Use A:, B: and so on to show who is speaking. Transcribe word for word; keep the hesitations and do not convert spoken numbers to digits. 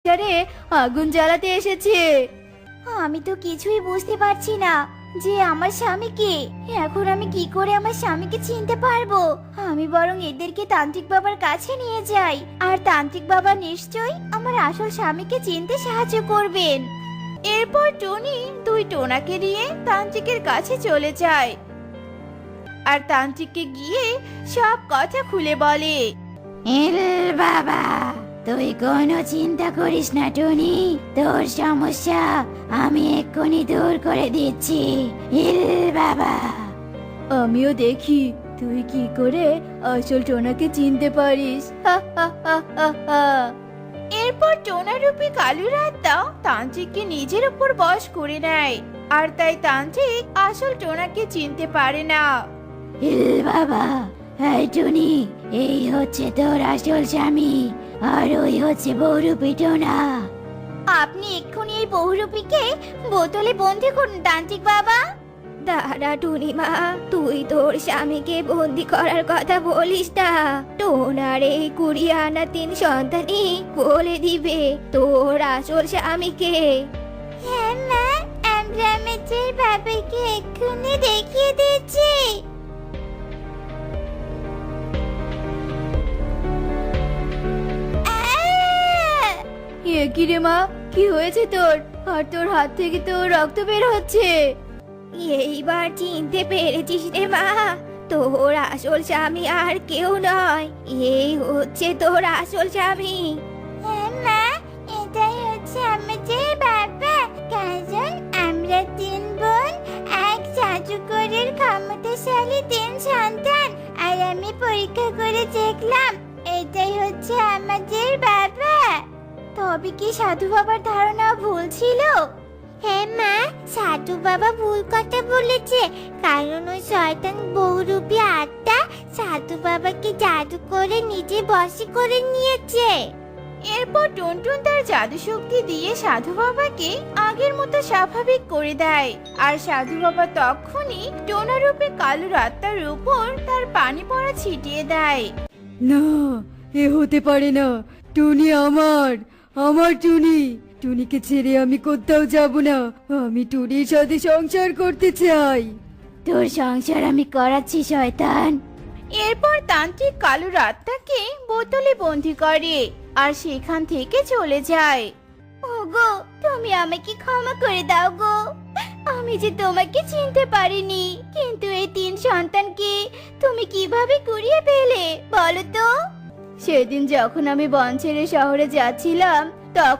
A: আরে আগুন জ্বালাতে এসেছে।
B: আমি তো কিছুই বুঝতে পারছি না যে আমার স্বামী কে। এখন আমি কি করে আমার স্বামীকে চিনতে পারবো? আমি বরং এদেরকে তান্ত্রিক বাবার কাছে নিয়ে যাই, আর তান্ত্রিক বাবা নিশ্চয়ই আমার আসল স্বামীকে চিনতে সাহায্য করবেন।
A: এরপর টুনি দুই টোনাকে নিয়ে তান্ত্রিকের কাছে চলে যায় আর তান্ত্রিককে গিয়ে সব কথা খুলে বলে।
B: এল বাবা, তুই কোনো চিন্তা করিস না টুনি, তোর সমস্যা আমি এক্ষুনি দূর করে দিচ্ছি। এল বাবা।
A: আমিও দেখি তুই কি করে আসল টোনাকে চিনতে পারিস। হা হা হা হা হা। এরপর টোনারূপী কালুর আত্মা তান্ত্রিককে নিজের উপর বশ করে নেয়, আর তাই তান্ত্রিক আসল টোনাকে চিনতে পারে না।
B: এল বাবা, এই টুনি, এই হচ্ছে তোর আসল স্বামী, আর ওই হচ্ছে বহুরূপী টোনা। আপনি এক্ষুনি এই বহুরূপীকে বোতলে বন্দি করুন তান্ত্রিক বাবা।
A: দাঁড়া টুনিমা, তুই তোর স্বামীকে বন্দি করার কথা বলিস না। টোনার এই কুড়ি আনা তিন সন্তানই বলে দিবে তোর আসল স্বামীকে।
B: হ্যাঁ মা, আমরা আমাদের বাবাকে এক্ষুনি দেখিয়ে দিচ্ছি।
A: এ কি রে মা, কি হয়েছে তোর? আর তোর হাত থেকে তো রক্ত বের হচ্ছে। এইবার চিনতে পেরেছিস রে মা, তোর আসল স্বামী আর কেউ নয়, এই হচ্ছে তোর আসল স্বামী।
B: হ্যাঁ মা, এটাই হচ্ছে আমাদের বাবা। কারণ আমরা তিন বোন, এক জাদুকরের ক্ষমতাশালী তিন সন্তান। আর আমি পরীক্ষা করে দেখলাম এটাই হচ্ছে আমাদের বাবা। তবে কি সাধু বাবার ধারণা ভুল ছিল? হ্যাঁ মা, সাধু বাবা ভুল কথা বলেছে, কারণ ওই শয়তান বহুরূপী আত্মা সাধু বাবাকে জাদু করে নিজে বশী করে নিয়েছে।
A: এরপর টুনটুন তার জাদু শক্তি দিয়ে সাধু বাবাকে আগের মতো স্বাভাবিক করে দেয়, আর সাধু বাবা তখনই টোনারূপে কালুর আত্মার উপর তার পানি পড়া ছিটিয়ে দেয়।
C: না, এ হতে পারে না। টুনি আমার, আমার টুনি। টুনিকে ছেড়ে আমি কোথাও যাব না। আমি টুনির সাথে সংসার করতে চাই।
B: তোর সংসার আমি করাচ্ছি শয়তান।
A: এরপর তান্ত্রিক কালুর আত্মাকে বোতলে বন্দি করে আর সেখান থেকে চলে যায়।
B: ওগো, তুমি আমাকে ক্ষমা করে দাও গো। আমি যে তোমাকে চিনতে পারিনি, কিন্তু এই তিন সন্তানকে তুমি কিভাবে কুড়িয়ে পেলে বলো তো?
A: সেদিন যখন আমি বন ছেড়ে শহরে যাচ্ছিলাম, তখন